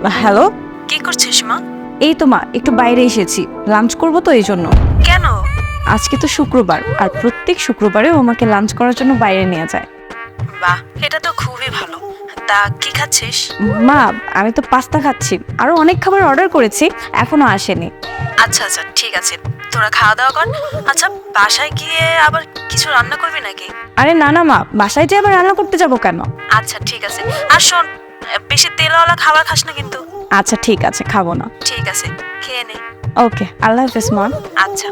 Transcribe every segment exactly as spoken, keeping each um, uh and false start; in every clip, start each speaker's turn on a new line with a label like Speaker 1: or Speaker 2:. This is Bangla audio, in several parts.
Speaker 1: হ্যালো,
Speaker 2: কি করছিস মা?
Speaker 1: এই তো মা একটু বাইরে এসেছি, লাঞ্চ করব তো এই জন্য।
Speaker 2: কেন?
Speaker 1: আজকে তো শুক্রবার, আর প্রত্যেক শুক্রবারে ও আমাকে লাঞ্চ করার জন্য বাইরে নিয়ে যায়।
Speaker 2: বাহ, এটা তো খুবই ভালো। তা কি খাচ্ছিস?
Speaker 1: মা, আমি তো পাস্তা খাচ্ছি, আরো অনেক খাবার অর্ডার করেছি, এখনো আসেনি।
Speaker 2: আচ্ছা আচ্ছা, ঠিক আছে, তোরা খাওয়া দাওয়া কর। আচ্ছা, বাসায় গিয়ে আবার কিছু রান্না করবি নাকি?
Speaker 1: আরে না না মা, বাসায় যে আবার রান্না করতে যাব কেন?
Speaker 2: আচ্ছা ঠিক আছে, আর শোন, বেশি তেলওয়ালা খাবার খাস না কিন্তু।
Speaker 1: আচ্ছা ঠিক আছে, খাবো না।
Speaker 2: ঠিক আছে, খেয়ে নে।
Speaker 1: ওকে, আল্লাহ হাফেজ মা।
Speaker 2: আচ্ছা।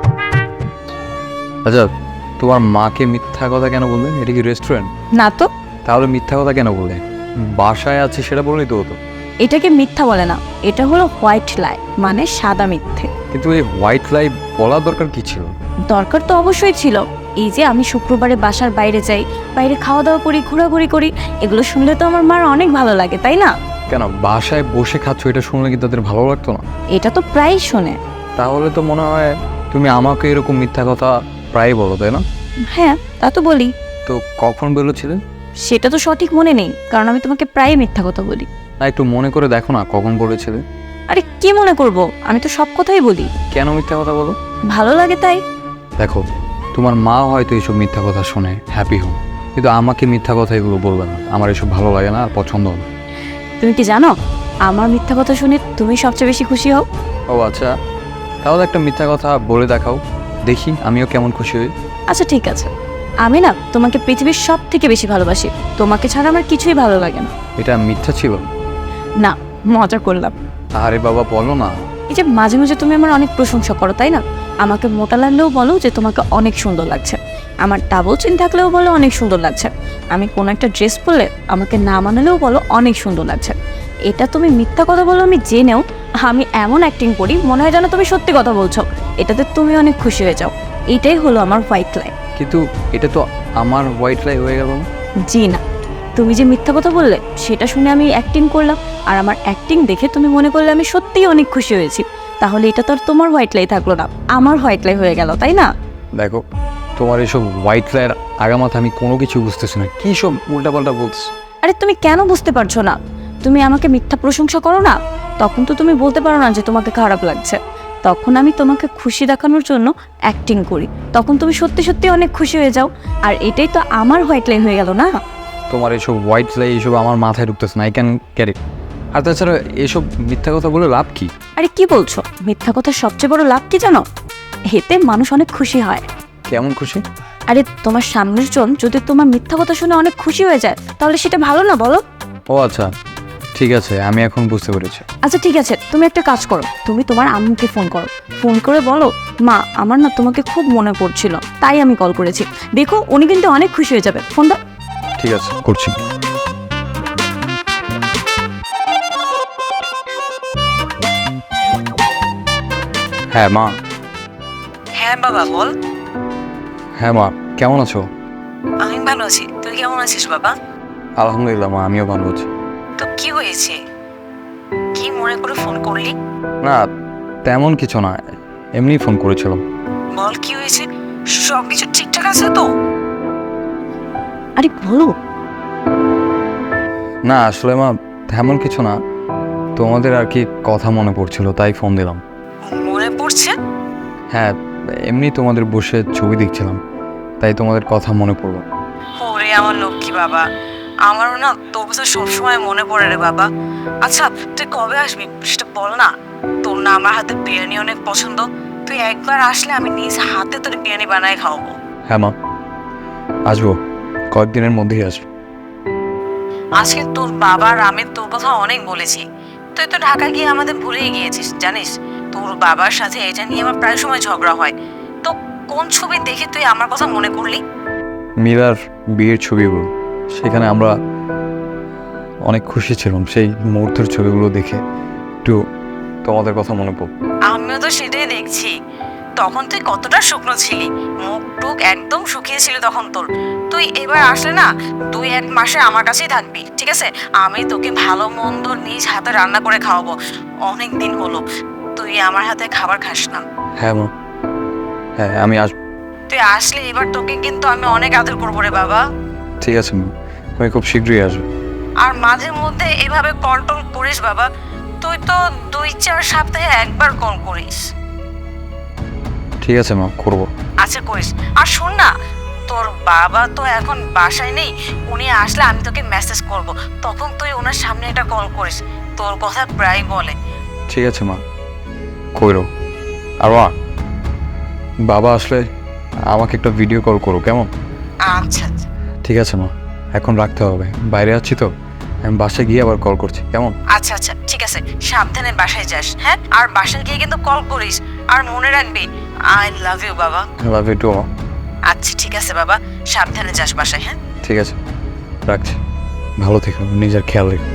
Speaker 3: আচ্ছা, তোমার মাকে মিথ্যা কথা কেন বললে? এটা কি রেস্টুরেন্ট?
Speaker 1: না তো।
Speaker 3: তাহলে মিথ্যা কথা কেন বললে? বাসায় আছে সেটা বললেই তো হতো।
Speaker 1: এটাকে মিথ্যা বলে না, এটা হলো হোয়াইট লাই, মানে সাদা মিথ্যে।
Speaker 3: কিন্তু এই হোয়াইট লাই বলার দরকার কি ছিল?
Speaker 1: দরকার তো অবশ্যই ছিল। এই যে আমি শুক্রবারে বাসার বাইরে যাই, বাইরে খাওয়া দাওয়া করি, ঘোরাঘুরি করি, এগুলো শুনলে তো আমার মার অনেক ভালো লাগে, তাই না?
Speaker 3: কেন বাসায় বসে খাচ্ছ, এটা শুনলে কি তাদের ভালো লাগতো না?
Speaker 1: এটা তো প্রায়ই শোনে।
Speaker 3: তাহলে তো মনে হয় তুমি আমাকে এরকম মিথ্যা কথা প্রায় বলো, তাই না?
Speaker 1: হ্যাঁ, তা তো বলি।
Speaker 3: তো কখন বলেছিলে?
Speaker 1: সেটা তো সঠিক মনে নেই, কারণ আমি তোমাকে প্রায় মিথ্যা কথা বলি।
Speaker 3: না, একটু মনে করে দেখো না কখন বলেছিলে।
Speaker 1: আরে কি মনে করব, আমি তো সব কথাই বলি।
Speaker 3: কেন মিথ্যা কথা বলো?
Speaker 1: ভালো লাগে তাই।
Speaker 3: দেখো, তোমার মা হয়তো এইসব মিথ্যা কথা শুনে হ্যাপি হন, কিন্তু আমাকে মিথ্যা কথা এগুলো বলবে না। আমার এসব ভালো লাগে না আর পছন্দ হবে।
Speaker 1: তুমি কি জানো, আমার মিথ্যা কথা শুনে তুমি সবচেয়ে বেশি খুশি হও।
Speaker 3: ও আচ্ছা, তাহলে একটা মিথ্যা কথা বলে দেখাও, দেখি আমিও কেমন খুশি হই।
Speaker 1: আচ্ছা ঠিক আছে, আমি না তোমাকে পৃথিবীর সব থেকে বেশি ভালোবাসি, তোমাকে ছাড়া আমার কিছুই ভালো লাগে না।
Speaker 3: এটা মিথ্যা ছিল?
Speaker 1: না, মজা করলাম।
Speaker 3: আরে বাবা, বলো না।
Speaker 1: এই যে মাঝে মাঝে তুমি আমার অনেক প্রশংসা করো, তাই না? আমাকে মোটা লাগলেও বলো যে তোমাকে অনেক সুন্দর লাগছে, আমার ডাবল চিন থাকলেও বলো অনেক সুন্দর লাগছে, আমি কোনো একটা ড্রেস পরলে আমাকে না মানালেও বলো অনেক সুন্দর লাগছে। এটা তুমি মিথ্যা কথা বলো আমি জেনেও আমি এমন অ্যাক্টিং করি মনে হয় যেন তুমি সত্যি কথা বলছো, এটাতে তুমি অনেক খুশি হয়ে যাও। এটাই হলো আমার হোয়াইট লাই।
Speaker 3: কিন্তু এটা তো আমার হোয়াইট লাই হয়ে গেল না।
Speaker 1: জি না, তুমি যে মিথ্যা কথা বললে সেটা শুনে আমি অ্যাক্টিং করলাম, আর আমার অ্যাক্টিং দেখে তুমি মনে করলে আমি সত্যিই অনেক খুশি হয়েছি, তাহলে এটা তো আর তোমার হোয়াইট লাই থাকলো না, আমার হোয়াইট লাই হয়ে গেল, তাই না?
Speaker 3: দেখো, তোমার এইসব হোয়াইট লাইয়ের আগামাথা আমি কোনো কিছু বুঝতেছি না, কী সব উল্টাপাল্টা বলছো।
Speaker 1: আরে তুমি কেন বুঝতে পারছো না? তুমি আমাকে মিথ্যা প্রশংসা করো না, তখন তো তুমি বলতে পারো না যে তোমাকে খারাপ লাগছে, তখন আমি তোমাকে খুশি দেখানোর জন্য অ্যাক্টিং করি, তখন তুমি সত্যি সত্যি অনেক খুশি হয়ে যাও, আর এটাই তো আমার হোয়াইট লাই হয়ে গেল না?
Speaker 3: তোমার এসব হোয়াইট লাই এইসব আমার মাথায় ঢুকতেছে না, আই ক্যান ক্যারি। আর তাছাড়া এসব মিথ্যা কথা বলে লাভ কি?
Speaker 1: আরে কি বলছো, মিথ্যা কথার সবচেয়ে বড় লাভ কি জানো? এতে মানুষ অনেক খুশি হয়।
Speaker 3: কেমন খুশি?
Speaker 1: আরে তোমার সামনের জন যদি তোমার মিথ্যা কথা শুনে অনেক খুশি হয়ে যায়, তাহলে সেটা ভালো না বলো?
Speaker 3: ও আচ্ছা, ঠিক আছে, আমি এখন বুঝতে পেরেছি।
Speaker 1: আচ্ছা ঠিক আছে, তুমি একটা কাজ করো, তুমি তোমার আম্মুকে ফোন করো, ফোন করে বলো, মা আমার না তোমাকে খুব মনে পড়ছিল, তাই আমি কল করেছি। দেখো উনি কিন্তু অনেক খুশি হয়ে যাবে, ফোন দাও।
Speaker 3: ঠিক আছে, করছি। হ্যাঁ মা।
Speaker 2: হ্যাঁ বাবা, বল।
Speaker 3: হ্যাঁ মা, কেমন আছো?
Speaker 2: আমি ভালো আছি, তুই কেমন আছিস বাবা?
Speaker 3: আলহামদুলিল্লাহ মা, আমিও ভালো আছি।
Speaker 2: তো কি হয়েছে, কি মনে করে ফোন করলি?
Speaker 3: না, তেমন কিছু না, এমনি ফোন করেছিলাম।
Speaker 2: বল কি হয়েছে, সব কিছু ঠিকঠাক আছে তো?
Speaker 1: আরে বলো।
Speaker 3: না আসলে মা, তেমন কিছু না, তোমাদের আর কি কথা মনে পড়ছিল তাই ফোন দিলাম।
Speaker 2: মনে পড়ছে?
Speaker 3: হ্যাঁ, এমনি তোমাদের বসে ছবি দেখছিলাম, তাই তোমাদের কথা মনে পড়লো।
Speaker 2: ওরে আমার লক্ষ্মী বাবা, আমারও না তোর কথা সবসময় মনে পড়ে রে বাবা। আচ্ছা তুই কবে আসবি সেটা বল না, তোর না আমার হাতে বিরিয়ানি অনেক পছন্দ, তুই একবার আসলে আমি নিজ হাতে তোর বিরিয়ানি বানায় খাওয়াবো।
Speaker 3: হ্যাঁ মা, আসবো, কয়েকদিনের মধ্যেই আসবো।
Speaker 2: আজকে তোর বাবার আমি তোর কথা অনেক বলেছি, তুই তো ঢাকা গিয়ে আমাদের ভুলেই গিয়েছিস জানিস। তোর বাবার সাথে এটা নিয়ে আমার প্রায় সময় ঝগড়া হয়, তো কোন ছবি দেখে তুই আমার কথা মনে করলি?
Speaker 3: মীরার বিয়ের ছবিগুলো, সেখানে আমরা অনেক খুশি ছিলাম, সেই মুহূর্তের ছবিগুলো দেখে একটু তোমাদের কথা মনে পড়ল।
Speaker 2: আমিও তো সেটাই দেখছি, তখন তুই কতটা শুকনো ছিলি, মুখ টুক একদম শুকিয়ে ছিল তখন তোর। তুই এবার আসলে না তুই এক মাসে আমার কাছেই থাকবি, ঠিক আছে? আমি তোকে ভালো মন্দ নিজ হাতে রান্না করে খাওয়াবো, অনেক দিন হলো তুই আমার হাতে খাবার খাস না।
Speaker 3: হ্যাঁ মা, হ্যাঁ আমি আসবো।
Speaker 2: তুই আসলে এবার তোকে কিন্তু আমি অনেক আদর করবো রে বাবা।
Speaker 3: ঠিক আছে মা, আমি খুব শীঘ্রই আসবো।
Speaker 2: আর মাঝে মধ্যে এভাবে কল টল করিস বাবা, তুই তো দুই চার সপ্তাহে একবার কল করিস।
Speaker 3: ঠিক আছে মা, করবো।
Speaker 2: আচ্ছা করিস। আর শোন না, তোর বাবা তো এখন বাসায় নেই, উনি আসলে আমি তোকে মেসেজ করব, তখন তুই ওনার সামনে একটা কল করিস, তোর কথা প্রায় বলে।
Speaker 3: ঠিক আছে মা, কইরো। আর মা, বাবা আসলে আমাকে একটা ভিডিও কল করো, কেমন?
Speaker 2: আচ্ছা আচ্ছা
Speaker 3: ঠিক আছে মা, এখন রাখতে হবে, বাইরে আছি তো, আমি বাসায় গিয়ে আবার কল করছি, কেমন?
Speaker 2: আচ্ছা আচ্ছা ঠিক আছে, সাবধানে বাসায় যাস, হ্যাঁ? আর বাসায় গিয়ে কিন্তু কল করিস, আর মনে রাখবি আই লাভ ইউ বাবা।
Speaker 3: লাভ ইউ টু মা।
Speaker 2: আচ্ছা ঠিক আছে বাবা, সাবধানে যাস বাসায়, হ্যাঁ?
Speaker 3: ঠিক আছে, রাখছি। ভালো থেকো, নিজের খেয়াল রেখো।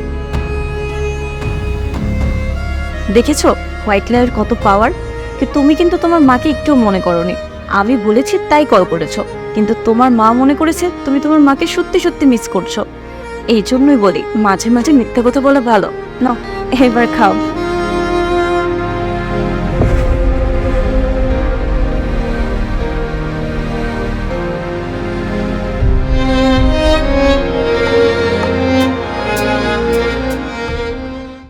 Speaker 1: দেখেছো হোয়াইট লাইয়ের কত পাওয়ার? কি তুমি কিন্তু তোমার মাকে একটু মনে করোনি, আমি বলেছি তাই কল করেছো, কিন্তু তোমার মা মনে করেছে তুমি তোমার মাকে সত্যি সত্যি মিস করছো। এই জন্যই বলি মাঝে মাঝে মিথ্যা কথা বলা ভালো। না, এবার খাও।